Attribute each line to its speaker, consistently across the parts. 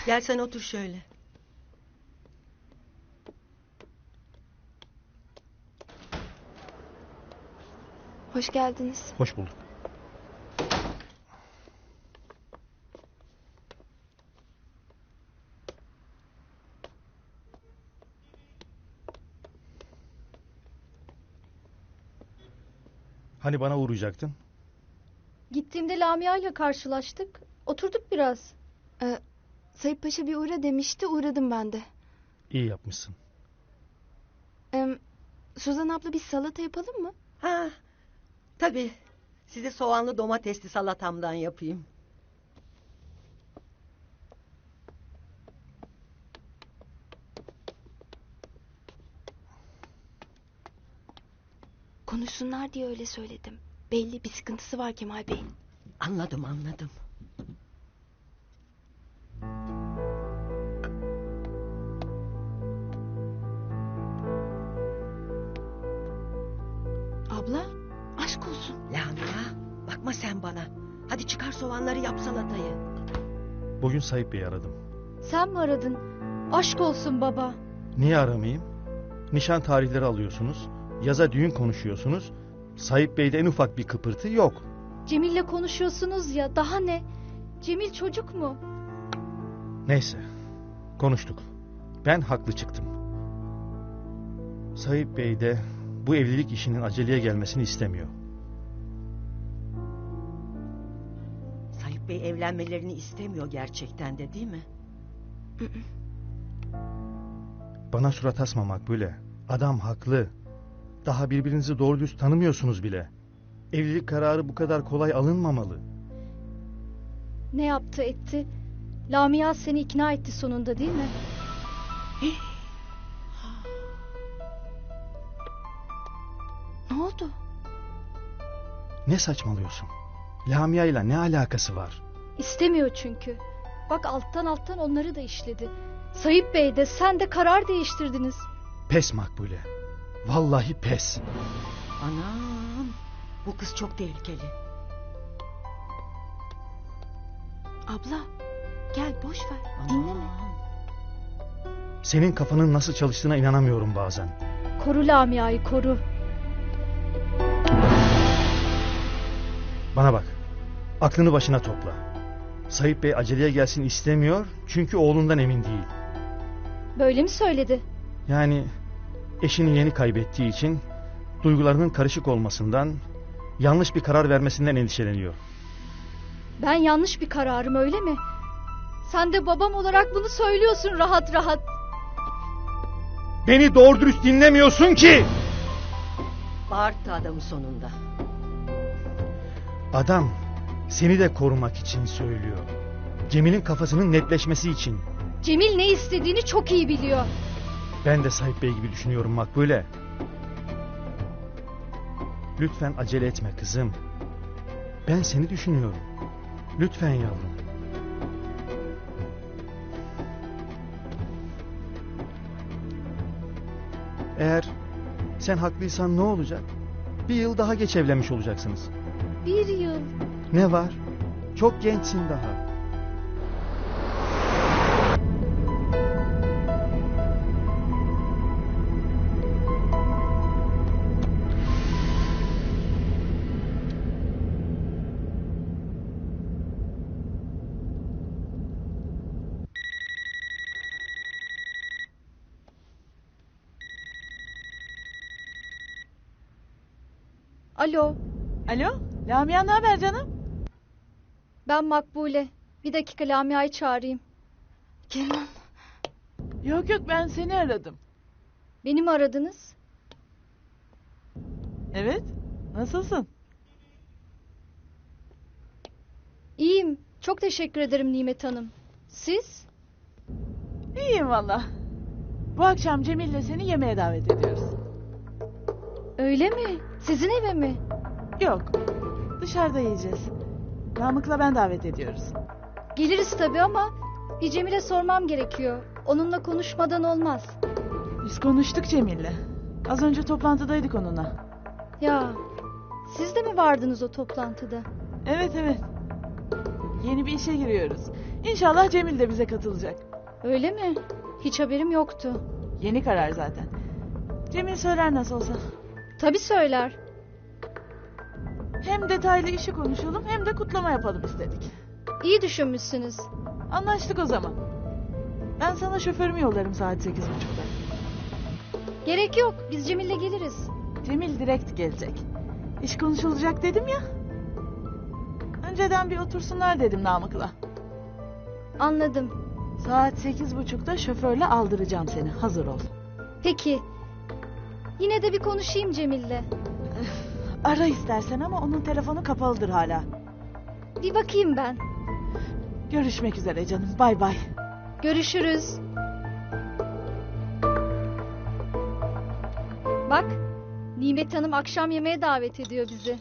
Speaker 1: Gel sen otur şöyle.
Speaker 2: Hoş geldiniz.
Speaker 3: Hoş bulduk. Hani bana uğrayacaktın?
Speaker 4: Gittiğimde Lamia ile karşılaştık. Oturduk biraz.
Speaker 2: Sayıp Paşa bir uğra demişti, uğradım ben de.
Speaker 3: İyi yapmışsın.
Speaker 2: Suzan abla bir salata yapalım mı?
Speaker 1: Ha, tabii. Size soğanlı domatesli salatamdan yapayım.
Speaker 2: Konuşsunlar diye öyle söyledim. Belli bir sıkıntısı var Kemal Bey'in.
Speaker 1: Anladım.
Speaker 2: Abla, aşk olsun.
Speaker 1: Lamia, bakma sen bana. Hadi çıkar soğanları, yap salatayı.
Speaker 3: Bugün Sayıp Bey'i aradım.
Speaker 4: Sen mi aradın? Aşk olsun baba.
Speaker 3: Niye aramayayım? Nişan tarihleri alıyorsunuz. Yaza düğün konuşuyorsunuz. Sayıp Bey'de en ufak bir kıpırtı yok.
Speaker 4: Cemil'le konuşuyorsunuz ya, daha ne? Cemil çocuk mu?
Speaker 3: Neyse. Konuştuk. Ben haklı çıktım. Sayıp Bey de bu evlilik işinin aceleye gelmesini istemiyor.
Speaker 1: Sayıp Bey evlenmelerini istemiyor gerçekten de, değil mi?
Speaker 3: Bana surat asma Makbule. Adam haklı. Daha birbirinizi doğru düz tanımıyorsunuz bile. Evlilik kararı bu kadar kolay alınmamalı.
Speaker 4: Ne yaptı etti? Lamia seni ikna etti sonunda, değil mi?
Speaker 2: Ne oldu?
Speaker 3: Ne saçmalıyorsun? Lamia ile ne alakası var?
Speaker 4: İstemiyor çünkü. Bak alttan onları da işledi. Sayıp Bey de sen de karar değiştirdiniz.
Speaker 3: Pes Makbule. Vallahi pes.
Speaker 1: Anam, bu kız çok tehlikeli.
Speaker 2: Abla, gel boş ver,
Speaker 1: Aman.
Speaker 2: dinleme.
Speaker 3: Senin kafanın nasıl çalıştığına inanamıyorum bazen.
Speaker 4: Koru Lamia'yı, koru.
Speaker 3: Bana bak. Aklını başına topla. Sayıp Bey aceleye gelsin istemiyor çünkü oğlundan emin değil.
Speaker 4: Böyle mi söyledi?
Speaker 3: Yani eşini yeni kaybettiği için duygularının karışık olmasından, yanlış bir karar vermesinden endişeleniyor.
Speaker 4: Ben yanlış bir kararım, öyle mi? Sen de babam olarak bunu söylüyorsun rahat rahat.
Speaker 3: Beni doğru dürüst dinlemiyorsun ki!
Speaker 1: Bağırttı adamı sonunda.
Speaker 3: Adam seni de korumak için söylüyor. Cemil'in kafasının netleşmesi için.
Speaker 4: Cemil ne istediğini çok iyi biliyor.
Speaker 3: Ben de Sayıp Bey gibi düşünüyorum Makbule. Lütfen acele etme kızım. Ben seni düşünüyorum. Lütfen yavrum. Eğer sen haklıysan ne olacak? Bir yıl daha geç evlenmiş olacaksınız.
Speaker 4: Bir yıl.
Speaker 3: Ne var? Çok gençsin daha.
Speaker 4: Alo,
Speaker 5: Alo, Lamia ne haber canım?
Speaker 4: ben Makbule. Bir dakika Lamia'yı çağırayım.
Speaker 2: Kenan,
Speaker 5: Yok ben seni aradım.
Speaker 4: Beni mi aradınız?
Speaker 5: Evet, nasılsın?
Speaker 4: İyiyim. Çok teşekkür ederim Nimet Hanım. Siz?
Speaker 5: İyiyim valla. Bu akşam Cemil'le seni yemeğe davet ediyoruz.
Speaker 4: Öyle mi? Sizin eve mi?
Speaker 5: Yok, dışarıda yiyeceğiz. Namık'la ben davet ediyoruz.
Speaker 4: Geliriz tabii ama bir Cemil'e sormam gerekiyor. Onunla konuşmadan olmaz.
Speaker 5: Biz konuştuk Cemil'le. Az önce toplantıdaydık onunla.
Speaker 4: Ya, siz de mi vardınız o toplantıda?
Speaker 5: Evet. Yeni bir işe giriyoruz. İnşallah Cemil de bize katılacak.
Speaker 4: Öyle mi? Hiç haberim yoktu.
Speaker 5: Yeni karar zaten. Cemil söyler nasıl olsa.
Speaker 4: Tabii söyler.
Speaker 5: Hem detaylı işi konuşalım hem de kutlama yapalım istedik.
Speaker 4: İyi düşünmüşsünüz.
Speaker 5: Anlaştık o zaman. Ben sana şoförümü yollarım saat 8.30'da.
Speaker 4: Gerek yok. Biz Cemil'le geliriz.
Speaker 5: Cemil direkt gelecek. İş konuşulacak dedim ya. Önceden bir otursunlar dedim Namık'la.
Speaker 4: Anladım.
Speaker 5: Saat 8.30'da şoförle aldıracağım seni. Hazır ol.
Speaker 4: Peki. Yine de bir konuşayım Cemil'le.
Speaker 5: Ara istersen ama onun telefonu kapalıdır hala.
Speaker 4: Bir bakayım ben.
Speaker 5: Görüşmek üzere canım. Bay bay.
Speaker 4: Görüşürüz. Bak, Nimet Hanım akşam yemeğe davet ediyor bizi.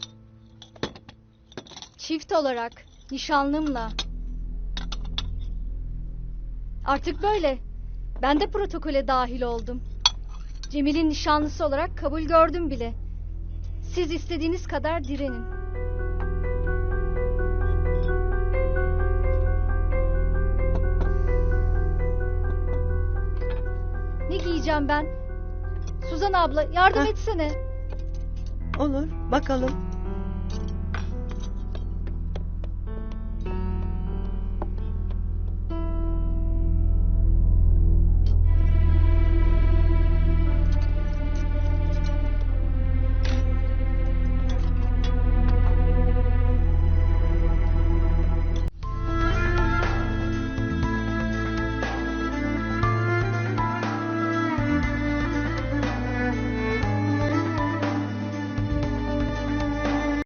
Speaker 4: Çift olarak, nişanlımla. Artık böyle. Ben de protokole dahil oldum. Cemil'in nişanlısı olarak kabul gördüm bile. Siz istediğiniz kadar direnin. Ne giyeceğim ben? Suzan abla yardım etsene.
Speaker 1: Olur, bakalım.